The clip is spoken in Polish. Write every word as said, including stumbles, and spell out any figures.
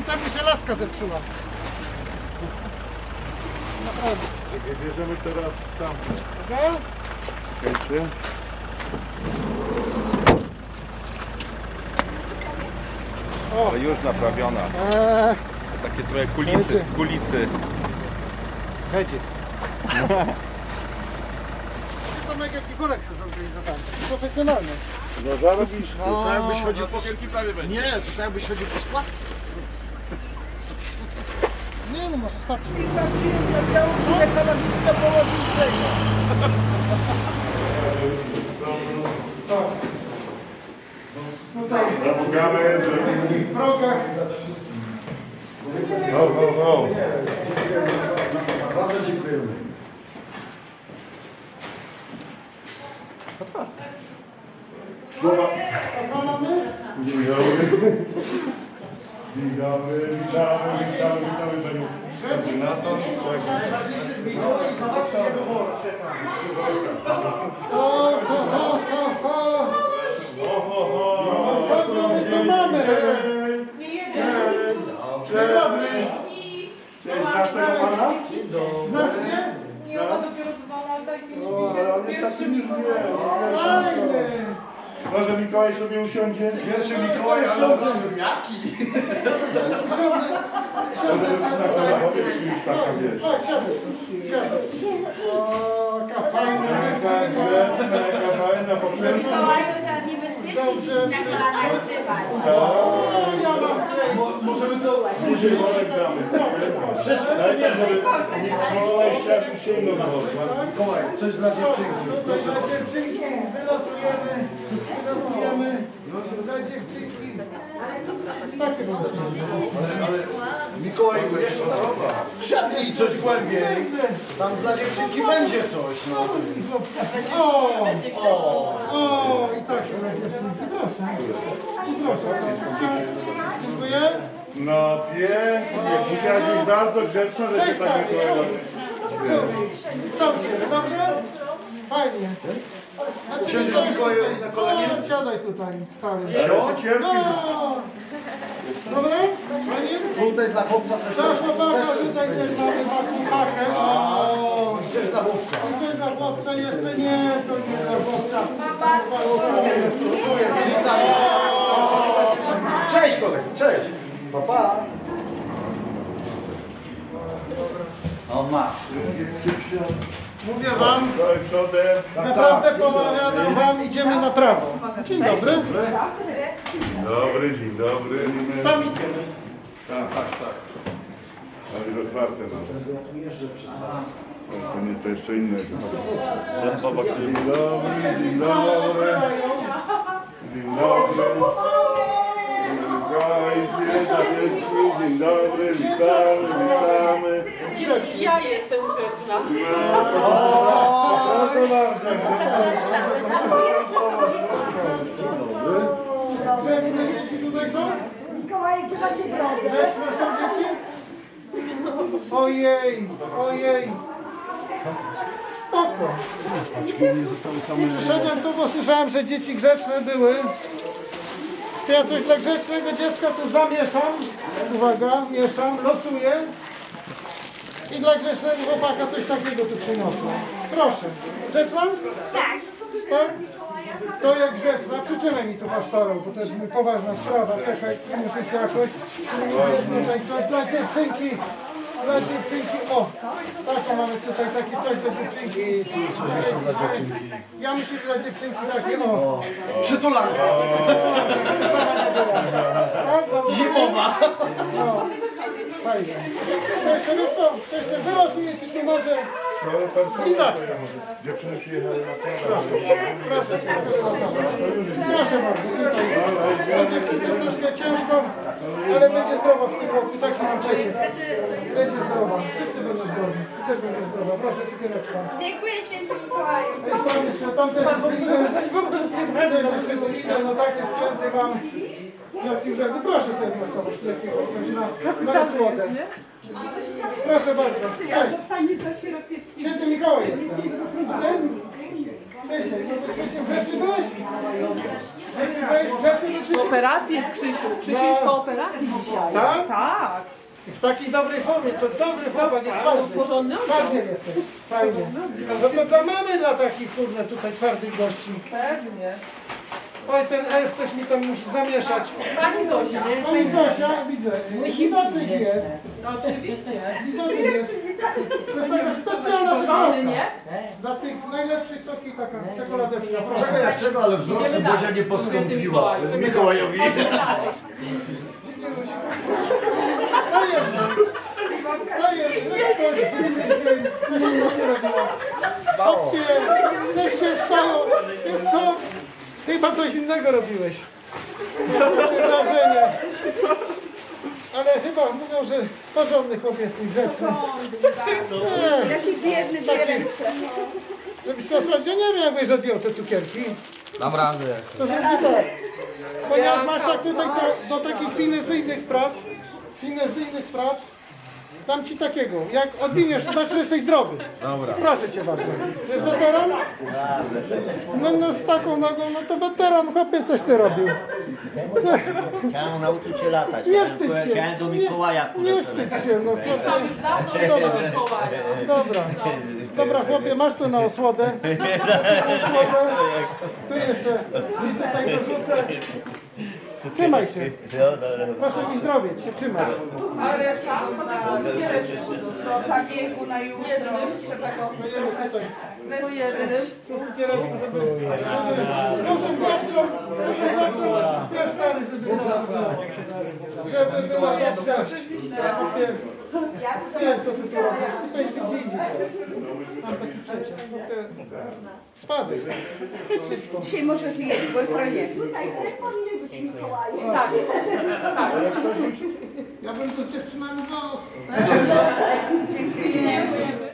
temu się laska zepsuła. Naprawdę. Bierzemy teraz tam. Dobra? Czekajcie. O. To już naprawiona. Eee, Takie trochę kulisy, Będzie. kulisy. Będzie. To mega jaki worek sobie zorganizowałem. Profesjonalny. No zarobisz. No, Tak jakbyś chodził po... prawie będzie. Nie, to tak jakbyś chodził po składce. nie no, może starczy. Tutaj Zapukamy. w bliskich progach. No, no, no. Bardzo dziękujemy. A mamy? Dzień dobry. Dzień dobry. Witamy, witamy, witamy panią koordynator. O, ho, ho, ho, ho. No, kogo my tu mamy? Dzień dobry. Cześć, znasz tego pana? Znasz mnie? Nie, ona dopiero dwa lata i pięć O, ale on miesięcy jest pierwszy takim już Mikołaj. wie. Fajny. Może Mikołaj sobie usiądzie? Pierwszy Mikołaj, ale od razu jaki? Siądę. Siądę Może sam na tutaj. telefonie już taka wiesz. O, siądę. Siądę. O, jaka fajna Taka dziewczynka. grzeczna, jaka fajna, po pierwsze. Mikołaj to trzeba niebezpiecznie dziś na kolanach trzymać. O, ja mam tutaj. Możemy to... Duży worek damy. Najpierw, żeby Mikołaj chciał sięgnął do worka. Mikołaj, coś dla dziewczynki. Tutaj dla dziewczynki wylosujemy. Wylosujemy. Dla dziewczynki. Takie było. Mikołaj, jeszcze krzepnij coś głębiej. Tam dla dziewczynki będzie coś. No. O, o, o, i tak dla dziewczynki. Proszę. I proszę. Dziękuję. No pięknie. Musiałaś być bardzo grzeczna, że się Cześć, tak stary. Mikołaj. Co cię, dobrze? Fajnie. A ty Siądziesz, widziałeś Mikołaju, tutaj? na kolanie? No, siadaj tutaj, stary. Ale ty cierpi. No. Dobra? Fajnie? Tutaj dla chłopca też Za coś. chłopaka tutaj też mamy taką pakę. O. I też dla chłopca. I to dla chłopca jeszcze nie, to nie dla chłopca. Cześć kolego, cześć. Papa. On ma. Mówię wam, Daj przodem. naprawdę pomawiam wam, idziemy na prawo. Dzień dobry. Dobry, dzień dobry. Tam idziemy. Tak, tak, tak. Ale już otwarte mam. To nie, to jeszcze innego. Dzień dobry, dzień dobry. Dzień dobry. Mikołaj, świeża dzieci, dzień dobry, witamy, witamy. Ja jestem grzeczna. O, proszę bardzo. Grzeczne dzieci tutaj są? Mikołaj, gdzie macie drogę? Grzeczne są dzieci? Ojej, ojej. Spoko. Przyszedłem tu, bo słyszałem, że dzieci grzeczne były. To ja coś dla grzecznego dziecka tu zamieszam. Uwaga, mieszam, losuję. I dla grzecznego chłopaka coś takiego tu przyniosłem. Proszę. Grzeczna? Tak. Tak? To jak grzeczna. Przytrzymaj mi tu pastorą, bo to jest poważna sprawa. Czekaj, muszę się jakoś... Tutaj coś dla dziewczynki. Dla dziewczynki. O, taką mamy tutaj, taki coś dla dziewczynki. Coś jeszcze dla dziewczynki. Ja myślę, że dla dziewczynki takie, o. Przytulanka. Tak? Zimowa. No. Fajnie. To jeszcze wiesz co? To jeszcze wylosuję ci się może lizaczka. Dziewczyny przyjechały na Proszę, proszę. Proszę bardzo. Tutaj. Dla dziewczynce jest troszkę ciężko, ale będzie zdrowa w tym roku. Taki mam przeciw. Będzie zdrowa. Wszyscy będą zdrowi. Ty też będziesz zdrowa. Proszę, cukiereczka. Dziękuję, święty Mikołaju. Tam jeszcze, tam też jeszcze inne. Też jeszcze tu inne, no takie sprzęty mam. Jacy urzędy. Proszę sobie głosować jakiegoś coś na, na słodę. Proszę bardzo. Cześć. Pani Zosi Rapiecki. Święty Mikołaj jestem. A ten? Cześć. No to Grzesiu, Grzesiu byłeś? Grzesiu byłeś? Grzesiu do ciebie? operacji jest Krzysiu. Krzysiu jest po operacji dzisiaj. Tak? Tak. W takiej dobrej formie, to dobry chłopak jest No, twardy. porządny Twardy jesteś, fajnie. No to dla mamy, dla takich kurde tutaj twardych gości. Pewnie. Oj, ten elf coś mi tam musi zamieszać. Pani Zosi, nie? Pani Zosia, widzę. Lizotyk jest. No, oczywiście. Lizotyk jest. To jest taka specjalna Porządny, wygląda. nie? Dla tych najlepszych to taka czekoladeczka. Czego jak czego, ale wzrostu Idziemy Bozia dalej. nie Kobiety poskąpiła. Mikołaju. Mikołajowi. Stajesz! Stajesz! Coś się nocy robiło. Hopie! Też się spało. Wiesz co? Chyba coś innego robiłeś. Mam takie wrażenie. Ale chyba mówią, że porządny chłopiec i grzeczny. Nie, Taki biedny, taki. Żebyś to słuchać, ja nie wiem, jakbyś odjął te cukierki. Dam radę. To znaczy tak, ponieważ masz tak tutaj do, do takich finezyjnych prac, finezyjnych prac, dam ci takiego, jak odwiniesz, to znaczy, że jesteś zdrowy. Dobra. Proszę cię bardzo. Jest weteran? No, no z taką nogą, no to weteran, chłopie, coś ty robił. Chciałem nauczyć się latać. Nie wstydź się. Chciałem do Mikołaja Nie, nie wstydź się, no chłopie. Są już dawno do Mikołaja. Dobra, dobra chłopie, masz to na osłodę. Masz na osłodę. Tu jeszcze, tutaj dorzucę. Trzymaj się. Proszę mi zdrowie, się trzymać. A reszta? Chociaż cukiereczku. Do zabiegu na jutro. Jednym jeszcze tego. Dajemy tutaj. Po jednym. Cukiereczku, żeby... Proszę babcią, proszę babcią, wiesz stary, żeby żeby była babcia. Wiem, wiem co ty tu robisz, ty będziesz gdzie indziej teraz. Mam taki przeciąg. Spadaj stary, szybko. Dzisiaj może zjeść, bo jutro nie. Tutaj ten powinien być Mikołaj. Tak. Ja bym tu z dziewczynami został. Dziękujemy.